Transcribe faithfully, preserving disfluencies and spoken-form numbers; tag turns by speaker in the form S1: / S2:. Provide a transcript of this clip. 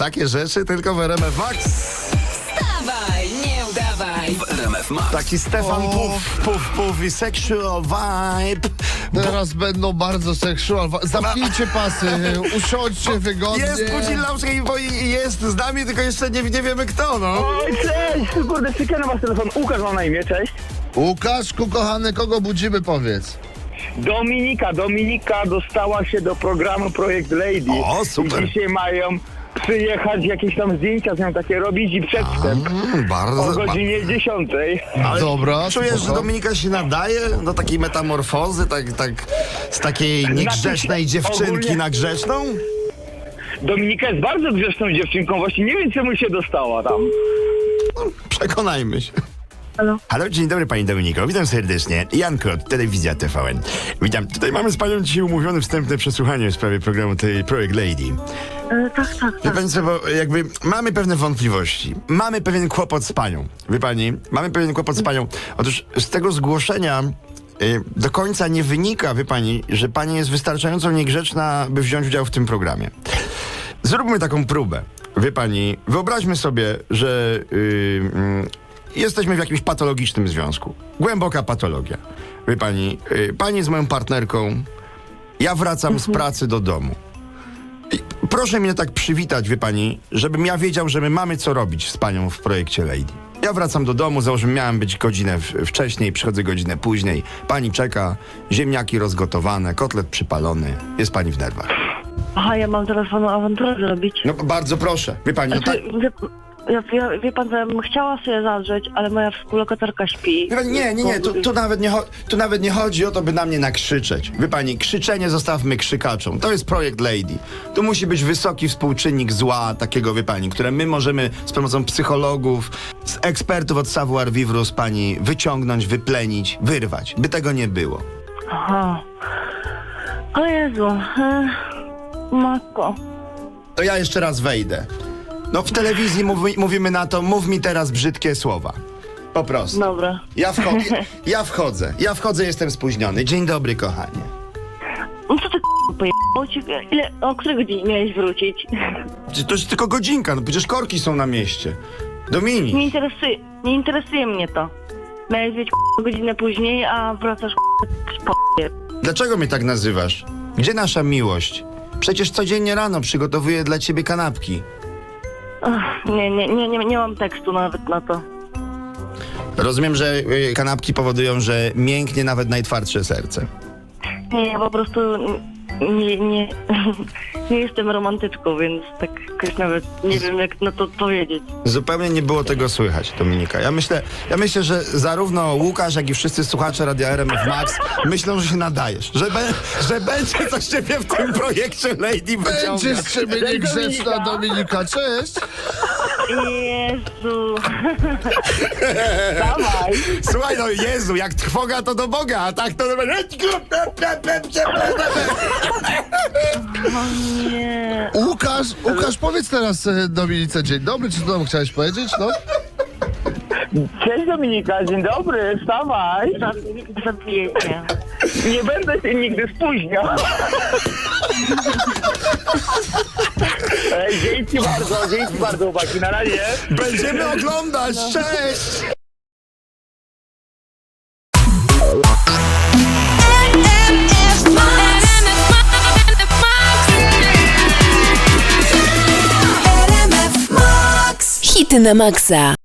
S1: Takie rzeczy tylko w R M F Max.
S2: Wstawaj, nie udawaj.
S3: W R M F Max.
S1: Taki Stefan
S4: O.
S1: Puf, Puf, Puf i Sexual Vibe.
S4: Teraz będą bardzo seksual. Zamknijcie pasy, usiądźcie wygodnie.
S1: Jest Pudzilowski, bo i- jest z nami, tylko jeszcze nie, nie wiemy kto, no.
S5: Oj, cześć! Kurde, przykiano was telefon. Łukasz mam na imię, cześć.
S4: Łukaszku, kochany, kogo budzimy, powiedz.
S5: Dominika, Dominika dostała się do programu Projekt Lady.
S1: O, super.
S5: I dzisiaj mają przyjechać, jakieś tam zdjęcia z nią takie robić i przedstęp.
S1: Mm, bardzo.
S5: O godzinie dziesiątej.
S1: Ale
S4: Dobra,
S1: czujesz, że
S4: spoko.
S1: Dominika się nadaje do takiej metamorfozy, tak, tak z takiej niegrzecznej dziewczynki
S5: ogólnie-
S1: na grzeczną?
S5: Dominika jest bardzo grzeczną dziewczynką, właśnie nie wiem czemu się dostała tam.
S1: No, przekonajmy się.
S6: Halo?
S1: Halo, dzień dobry pani Dominiko, witam serdecznie. Jan Kot, Telewizja T V N. Witam, tutaj mamy z panią dzisiaj umówione wstępne przesłuchanie w sprawie programu tej Projekt Lady.
S6: E, tak, tak,
S1: Wie
S6: tak.
S1: pani co, bo jakby mamy pewne wątpliwości. Mamy pewien kłopot z panią. Wie pani, mamy pewien kłopot z panią. Otóż z tego zgłoszenia y, do końca nie wynika, wie pani, że pani jest wystarczająco niegrzeczna, by wziąć udział w tym programie. Zróbmy taką próbę. Wie pani, wyobraźmy sobie, że y, mm, jesteśmy w jakimś patologicznym związku. Głęboka patologia. Wie pani, y, pani jest moją partnerką, ja wracam z pracy do domu. I proszę mnie tak przywitać, wie pani, żebym ja wiedział, że my mamy co robić z panią w projekcie Lady. Ja wracam do domu, załóżmy, miałem być godzinę w, wcześniej, przychodzę godzinę później. Pani czeka, ziemniaki rozgotowane, kotlet przypalony. Jest pani w nerwach.
S6: Aha, ja mam teraz panu awanturę zrobić.
S1: No bardzo proszę, wie pani, no tak...
S6: Znaczy, wie, ja, ja, wie pan, że ja bym chciała sobie zadrzeć, ale moja współlokatorka śpi.
S1: Wie pani, nie, nie, nie, tu, tu, nawet nie cho- tu nawet nie chodzi o to, by na mnie nakrzyczeć. Wie pani, krzyczenie zostawmy krzykaczom. To jest projekt Lady. Tu musi być wysoki współczynnik zła, takiego, wie pani, które my możemy z pomocą psychologów, z ekspertów od savoir vivre z pani wyciągnąć, wyplenić, wyrwać, by tego nie było.
S6: Aha. O Jezu. E, matko.
S1: To ja jeszcze raz wejdę. No w telewizji mówi, mówimy na to, mów mi teraz brzydkie słowa. Po prostu.
S6: Dobra.
S1: Ja, wcho- ja wchodzę, ja wchodzę, jestem spóźniony. Dzień dobry, kochanie.
S6: No co ty pojebało ci? Ile, o której godzinie miałeś wrócić?
S1: To jest tylko godzinka, no przecież korki są na mieście. Dominik.
S6: Nie interesuje, nie interesuje mnie to. Miałeś być godzinę później, a wracasz po.
S1: Dlaczego mnie tak nazywasz? Gdzie nasza miłość? Przecież codziennie rano przygotowuję dla ciebie kanapki.
S6: Ach, nie, nie, nie, nie, nie mam tekstu nawet na to.
S1: Rozumiem, że y, kanapki powodują, że mięknie nawet najtwardsze serce.
S6: Nie, ja po prostu nie, nie, nie jestem romantyczką, więc tak jakoś nawet nie wiem, jak na to powiedzieć.
S1: Zupełnie nie było tego słychać, Dominika. Ja myślę, ja myślę, że zarówno Łukasz, jak i wszyscy słuchacze Radia R M F Max myślą, że się nadajesz. Że, be, że będzie coś ciebie w tym projekcie Lady wyciągać.
S4: Będziesz z ciebie niegrzeczna, Dominika, cześć.
S6: Jezu.
S5: Dawaj!
S1: Słuchaj, no Jezu, jak trwoga to do Boga, a tak to...
S6: O nie.
S4: Łukasz, Łukasz, powiedz teraz e, Dominice dzień dobry, czy to chciałeś powiedzieć, no?
S5: Cześć Dominika, dzień dobry, wstawaj!
S6: Zabijecie.
S5: Nie będę się nigdy spóźniał. Ej, dzięki bardzo, dzięki bardzo, chłopaki, na razie.
S1: Będziemy oglądać, cześć!
S2: Hity na maksa.